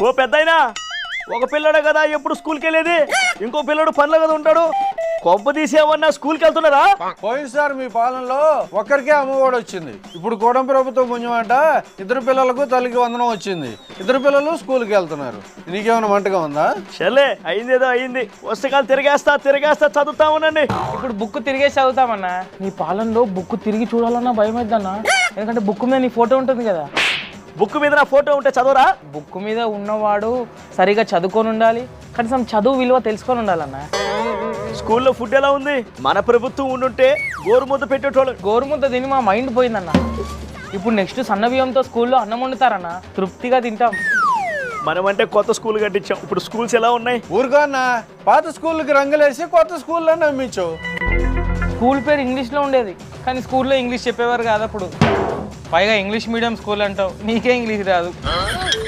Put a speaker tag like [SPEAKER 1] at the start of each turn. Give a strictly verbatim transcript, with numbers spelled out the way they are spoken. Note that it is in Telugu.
[SPEAKER 1] ఓ పెద్దయినా, ఒక పిల్లడే కదా ఎప్పుడు స్కూల్కి వెళ్ళేది, ఇంకో పిల్లడు పనిలో కదా ఉంటాడు. కొంప తీసేమన్నా స్కూల్కి వెళ్తున్నారా?
[SPEAKER 2] పోయినసారి మీ పాలనలో ఒక్కరికే అమ్మఒడి వచ్చింది. ఇప్పుడు కూడం ప్రభుత్వం పుణ్యమంట ఇద్దరు పిల్లలకు తల్లికి వందనం వచ్చింది. ఇద్దరు పిల్లలు స్కూల్కి వెళ్తున్నారు. నీకేమైనా మంటగా ఉందా?
[SPEAKER 1] చల్లే, అయిందేదో అయింది. పుస్తకాలు తిరిగేస్తా తిరిగేస్తా చదువుతా ఉండండి.
[SPEAKER 3] ఇప్పుడు బుక్ తిరిగేసి చదువుతామన్నా. నీ పాలనలో బుక్ తిరిగి చూడాలన్నా భయం అవుతుందన్నా. ఎందుకంటే బుక్ మీద నీ ఫోటో ఉంటుంది కదా.
[SPEAKER 1] బుక్ మీద నా ఫోటో ఉంటే చదవరా?
[SPEAKER 3] బుక్ మీద ఉన్నవాడు సరిగా చదువుకొని ఉండాలి, కనీసం చదువు విలువ తెలుసుకొని ఉండాలన్నా.
[SPEAKER 1] స్కూల్లో ఫుడ్ ఎలా ఉంది? మన ప్రభుత్వం ఉండుంటే గోరుముద్ద పెట్టేటోళ్ళు.
[SPEAKER 3] గోరుముద్ద తిని మా మైండ్ పోయిందన్న. ఇప్పుడు నెక్స్ట్ సన్న బియ్యంతో స్కూల్లో అన్నం వండుతారన్న, తృప్తిగా తింటాం.
[SPEAKER 1] మనమంటే కొత్త స్కూల్ కట్టించాం. ఇప్పుడు స్కూల్స్ ఎలా ఉన్నాయి?
[SPEAKER 2] ఊరుకోన్నా, పాత స్కూళ్ళకి రంగులేసి కొత్త స్కూల్లో నమ్మించు.
[SPEAKER 3] స్కూల్ పేరు ఇంగ్లీష్లో ఉండేది, కానీ స్కూల్లో ఇంగ్లీష్ చెప్పేవారు కాదు అప్పుడు. పైగా ఇంగ్లీష్ మీడియం స్కూల్ అంటావు, నీకే ఇంగ్లీష్ రాదు.